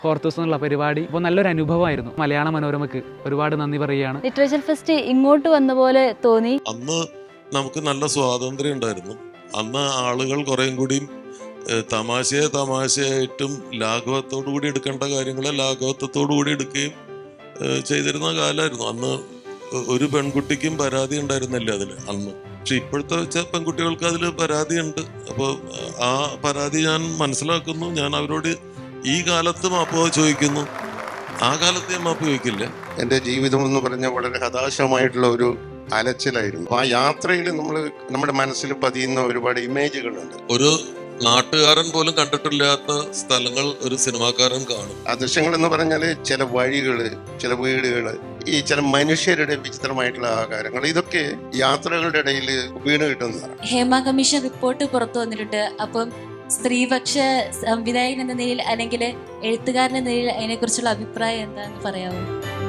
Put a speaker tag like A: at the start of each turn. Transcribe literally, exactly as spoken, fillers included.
A: Hortus എന്നുള്ള പരിപാടി ഇപ്പോൾ നല്ലൊരു അനുഭവമായിരുന്നു. മലയാള മനോരമയ്ക്ക് ഒരുപാട് നന്ദി പറയുകയാണ്.
B: ലിറ്ററേച്ചർ ഫെസ്റ്റ് ഇങ്ങോട്ട് വന്ന പോലെ തോന്നി.
C: അന്ന് നമുക്ക് നല്ല സ്വാതന്ത്ര്യം ഉണ്ടായിരുന്നു. അന്ന് ആളുകൾ കുറേയും കൂടിയും തമാശയെ തമാശയായിട്ടും ലാഘവത്തോടു കൂടി എടുക്കേണ്ട കാര്യങ്ങളെ ലാഘവത്വത്തോടു കൂടി എടുക്കുകയും ചെയ്തിരുന്ന കാലമായിരുന്നു. അന്ന് ഒരു പെൺകുട്ടിക്കും പരാതി ഉണ്ടായിരുന്നില്ല അതിൽ അന്ന്. പക്ഷെ ഇപ്പോഴത്തെ വെച്ച പെൺകുട്ടികൾക്ക് അതിൽ പരാതിയുണ്ട്. അപ്പോൾ ആ പരാതി ഞാൻ മനസ്സിലാക്കുന്നു. ഞാൻ അവരോട് ഈ കാലത്ത് മാപ്പ് ചോദിക്കുന്നു. ആ കാലത്ത് ഞാൻ മാപ്പ് ചോദിക്കില്ല.
D: എൻ്റെ ജീവിതം എന്ന് പറഞ്ഞാൽ വളരെ ഹതാശമായിട്ടുള്ള ഒരു അലച്ചിലായിരുന്നു. ആ യാത്രയിൽ നമ്മൾ നമ്മുടെ മനസ്സിൽ പതിയുന്ന ഒരുപാട് ഇമേജുകളുണ്ട്.
C: ഒരു നാട്ടുകാരൻ പോലും കണ്ടിട്ടില്ലാത്ത സ്ഥലങ്ങൾ ഒരു സിനിമാക്കാരൻ കാണും.
D: ആ ദൃശ്യങ്ങൾ എന്ന് പറഞ്ഞാൽ ചില വഴികള്, ചില വീടുകള്, ഈ ചില മനുഷ്യരുടെ വിചിത്രമായിട്ടുള്ള ആകാരങ്ങൾ, ഇതൊക്കെ യാത്രകളുടെ ഇടയിൽ വീണ് കിട്ടുന്നതാണ്.
E: ഹേമ കമ്മീഷൻ റിപ്പോർട്ട് പുറത്തു വന്നിട്ടുണ്ട്. അപ്പം സ്ത്രീപക്ഷ സംവിധായകൻ എന്ന നിലയിൽ അല്ലെങ്കിൽ എഴുത്തുകാരൻ എന്ന നിലയിൽ അതിനെക്കുറിച്ചുള്ള അഭിപ്രായം എന്താണെന്ന് പറയാമോ?